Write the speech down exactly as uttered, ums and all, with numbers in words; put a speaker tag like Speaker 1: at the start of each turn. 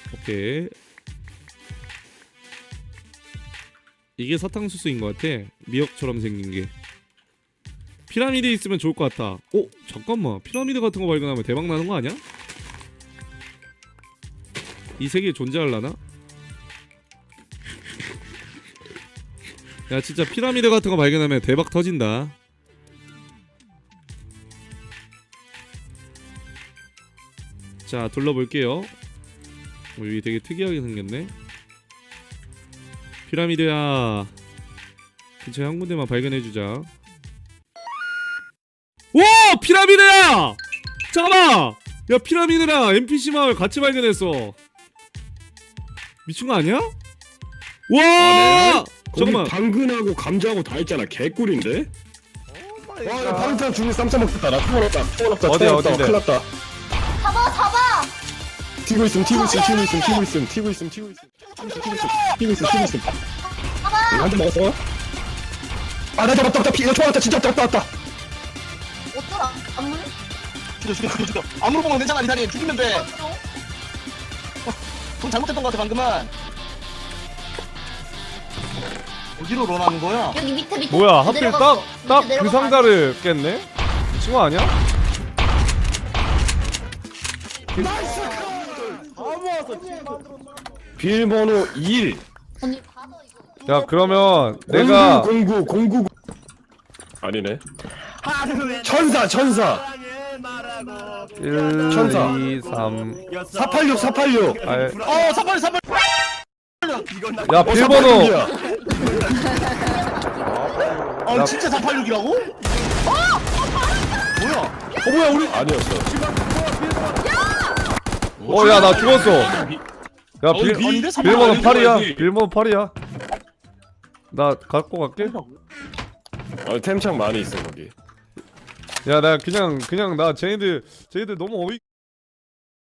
Speaker 1: 오케이. 이게 사탕수수인 것 같아. 미역처럼 생긴 게. 피라미드 있으면 좋을 것 같아. 어? 잠깐만. 피라미드 같은 거 발견하면 대박 나는 거 아니야? 이 세계에 존재할라나? 야 진짜 피라미드 같은 거 발견하면 대박 터진다. 자 둘러볼게요. 여기 되게 특이하게 생겼네. 피라미드야 근처에 한 군데만 발견해주자. 와 피라미드야! 잠깐만! 야 피라미드랑 엔피씨 마을 같이 발견했어. 미친거 아니야? 와!
Speaker 2: 아,
Speaker 1: 잠깐만.
Speaker 2: 당근하고 감자하고 다 있잖아. 개꿀인데? 와, 야, 방탄 중에 쌈 싸먹겠다. 나 총알 없다. 총알 없다.
Speaker 3: 어디야,
Speaker 2: 총알 없다.
Speaker 3: 어딘데?
Speaker 2: 큰일 났다.
Speaker 4: 잡아 잡아.
Speaker 2: 튀고 있음, 튀고 있음, 튀고 있음, 튀고 있음, 튀고 있음, 튀고 있음, 튀고 있음, 튀고 있음, 튀고 있음. 한 대 먹었어? 아, 나 잡았다, 잡았다. 피, 나 총알 없다. 진짜 잡았다, 왔다.
Speaker 4: 어쩌라 안물?
Speaker 5: 죽여 죽여 죽여 죽여 아무로 보면 괜찮아 리사님 죽이면 돼돈 잘못했던 것 같아 방금은. 어디로 런하는 거야?
Speaker 4: 여기 밑에 밑에.
Speaker 3: 뭐야 하필
Speaker 4: 내려갔어.
Speaker 3: 딱 딱
Speaker 4: 밑에
Speaker 3: 그
Speaker 4: 내려가서
Speaker 3: 상자를 깼네? 미친 거 아니야?
Speaker 2: 비밀번호 일.
Speaker 4: 언니 받아 이거.
Speaker 3: 야 그러면 내가
Speaker 2: 공구, 공구, 공구. 아니네. 천사, 천사.
Speaker 3: 일,
Speaker 2: 천사.
Speaker 3: 이, 삼
Speaker 2: 사팔육, 사팔육.
Speaker 3: 아,
Speaker 5: 어 사팔 사팔.
Speaker 3: 야
Speaker 2: 어,
Speaker 3: 비밀번호
Speaker 2: 사팔육이야.
Speaker 5: 어
Speaker 3: 나-
Speaker 5: 진짜 사팔육이라고? 뭐야?
Speaker 2: 어, 뭐야, 우리. 아니었어.
Speaker 3: 어 야 나 죽었어. 야 빌,
Speaker 5: 비- 아닌데? 삼
Speaker 3: 비밀번호
Speaker 5: 번
Speaker 3: 팔이야.
Speaker 2: 알려줘야지.
Speaker 3: 비밀번호 팔이야. 나 갖고 갈게.
Speaker 2: 어, 템창 많이 있어, 거기.
Speaker 3: 야 나 그냥 그냥 나 쟤네들 쟤네들 너무 어이